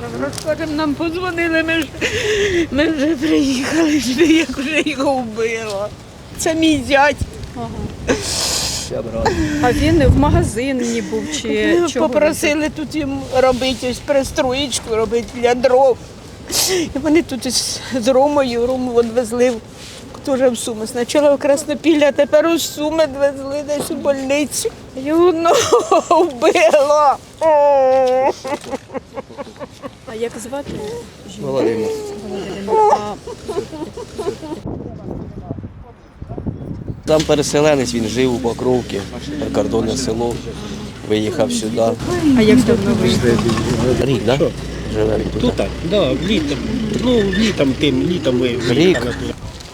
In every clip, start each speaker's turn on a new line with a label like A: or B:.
A: розкажемо, нам подзвонили, ми вже приїхали, як вже його вбило. Це мій зять.
B: А він в магазині був чи чого?
A: Попросили тут їм робити ось пристроєчку, робити для дров. І вони тут з Ромою, Рому везли теж в Суми. Спочатку в Краснопілля, а тепер у Суми везли десь у больницю. Його вбило.
B: А як звати?
C: Володимир.
B: А
C: Там переселенець, він жив у Покровці, прикордонне село, виїхав сюди.
B: як давно ви?
C: Рік, так? Да? Живе тут.
D: Тут так, да, літом. Ну, літом ми виїхали тут.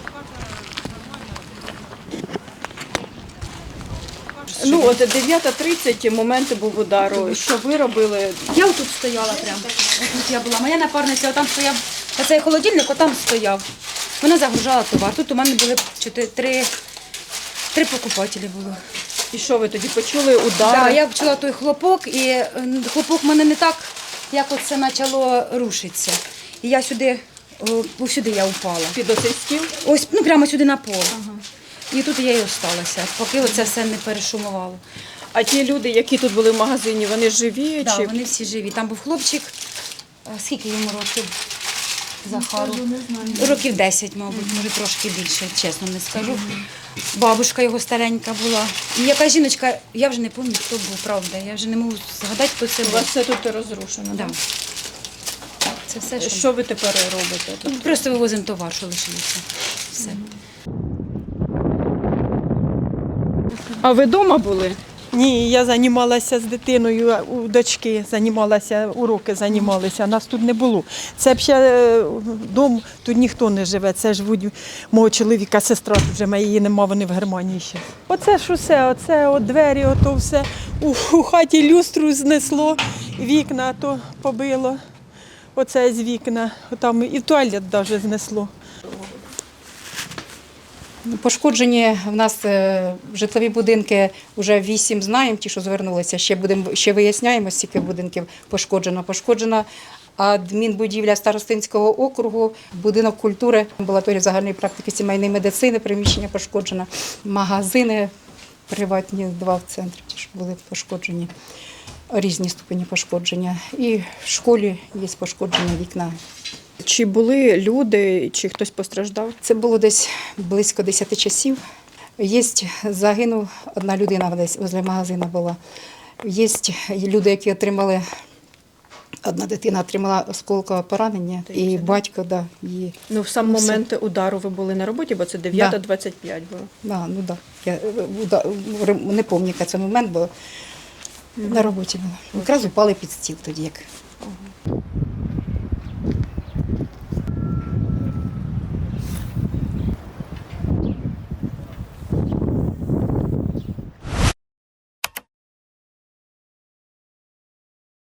B: Ну, от 9:30 момент був удару. Що ви робили?
E: Я отут стояла прямо. Отут я була. Моя напарниця отам стояв. Оцей холодильник отам стояв. Вона загружала товар. Тут у мене були три покупателі було.
B: І що ви тоді почули удар?
E: Да, я почула той хлопок, і хлопок в мене не так, як оце почало рушитися. І я сюди я упала.
B: Під оцей стіл?
E: Ось, ну прямо сюди на пол. І тут я і осталася, поки оце все не перешумувало.
B: А ті люди, які тут були в магазині, вони живі?
E: Так,
B: чи...
E: вони всі живі. Там був хлопчик, скільки йому років? Захару? Років 10, мабуть, може трошки більше, чесно не скажу. Бабушка його старенька була. І яка жіночка, я вже не пам'ятаю, хто був, правда. Я вже не можу згадати, хто це
B: У
E: був.
B: вас все тут розрушено?
E: Да. Це все, що...
B: Що ви тепер робите? Тут?
E: Просто вивозимо товар, що лишилося. Все.
B: А ви вдома були?
F: Ні, я займалася з дитиною, у дочки уроки займалися, нас тут не було. Це б ще дом, тут ніхто не живе, це живуть мого чоловіка, сестра, тут вже її нема, вони в Германії ще. Оце ж усе, оце от двері, ото все. У хаті люстру знесло, вікна то побило, оце з вікна, там і туалет навіть знесло.
G: Пошкоджені в нас житлові будинки, вже 8 знаємо, ті, що звернулися, ще виясняємо, скільки будинків пошкоджено. Пошкоджена адмінбудівля Старостинського округу, будинок культури, амбулаторія загальної практики сімейної медицини, приміщення пошкоджено, магазини приватні, 2 в центрі теж були пошкоджені, різні ступені пошкодження. І в школі є пошкоджені вікна.
B: Чи були люди, чи хтось постраждав?
G: Це було десь близько 10 часів. Загинув одна людина десь возле магазину була. Є люди, які отримали, одна дитина отримала осколкове поранення, і батько, да, її.
B: Ну, в сам момент удару ви були на роботі, бо це 9:25 було.
G: Да, ну да. Я не пам'ятаю, який це момент, бо на роботі була. Якраз упали під стіл тоді. Як.